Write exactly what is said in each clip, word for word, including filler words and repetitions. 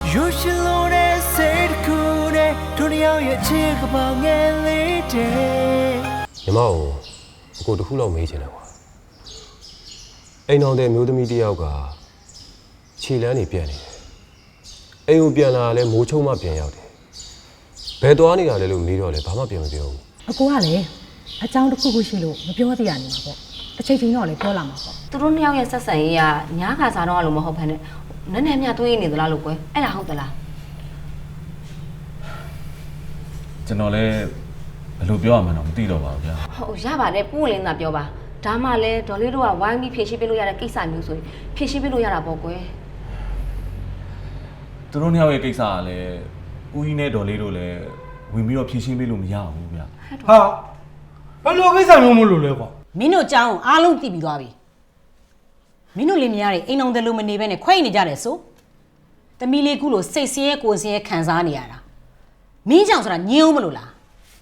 You should know that said cool day to the out your chick about get later ညီမကိုအကိုတခုလောက်မေးချင်တယ်ကွာအိမ်အောင်တဲ့မျိုးသမီးတယောက်ကခြေလမ်းနေပြန်နေတယ်အိမ်ကိုပြန်လာလဲမိုးချုံမှပြန်ရောက်တယ်ဘယ်သွားနေတာလဲလို့မေးတော့လဲဘာမှပြန်မပြောဘူးအကိုကလည်းအကြောင်းတစ်ခုခုရှိလို့မပြောသေးရနေမှာပေါ့တစ်ချိန်ချိန်တော့လည်းပြောလာမှာပေါ့သူတို့နှစ်ယောက်ရဲ့ဆက်ဆံရေးကညားခါစားတော့လို့မဟုတ်ဘဲနဲ့နည်းနည်းမြတွေးနေသလားလို့ကွယ်အဲ့ဒါဟုတ်သလားကျွန်တော်လည်းဘယ်လိုပြောရမှန်းတော့မသိတော့ပါဘူးဗျာဟုတ်ရပါတယ်ပူလင်းသာပြောပါဒါမှလည်းဒေါ်လေးတို့ကဝိုင်းပြီးဖြည့်ရှင်းပေးလို့ရတဲ့ကိစ္စမျိုးဆိုရင်ဖြည့်ရှင်းပေးလို့ရတာပေါ့ကွယ်သူတို့နှစ်ယောက်ရဲ့ကိစ္စကလည်းဦးကြီးနဲ့ဒေါ်လေးတို့လည်းဝင်ပြီးတော့ဖြည့်ရှင်းပေးလို့မရဘူးဗျာဟာဘယ်လိုကိစ္စမျိုးမလို့လဲကွာမင်းတို့အကြောင်းအားလုံးသိပြီးသွားပြီမင်းတို့လင်မယားတွေအိမ်အောင်တယ်လို့မနေဘဲနဲ့ခွဲနေကြတယ်ဆိုတမီလေးခုလိုစိတ်ဆင်းရဲကိုယ်ဆင်းရဲခံစားနေရတာမင်းကြောင့်ဆိုတာညင်းအောင်မလို့လား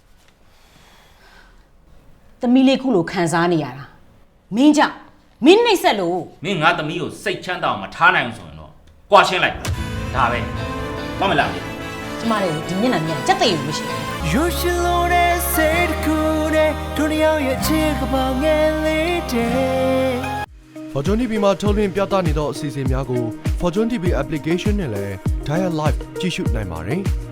တမီလေးခုလိုခံစားနေရတာမင်းကြောင့်မင်းနှိပ်စက်လို့မင်းငါသမီးကိုစိတ်ချမ်းသာအောင်မထားနိုင်အောင်ဆိုရင်တော့ကြွားရှင်းလိုက်ဒါပဲမမလားကျမတို့ဒီမျက်နှာမြင်စက်သိရမရှိဘူး You should know that said cool day to the out your chick about get later Fortune တီဗီ မှာထုတ်လွှင့်ပြသနေသောအစီအစဉ်များကို Fortune တီဗီ application နဲ့လည်း Dial Live ကြည့်ရှုနိုင်ပါတယ်။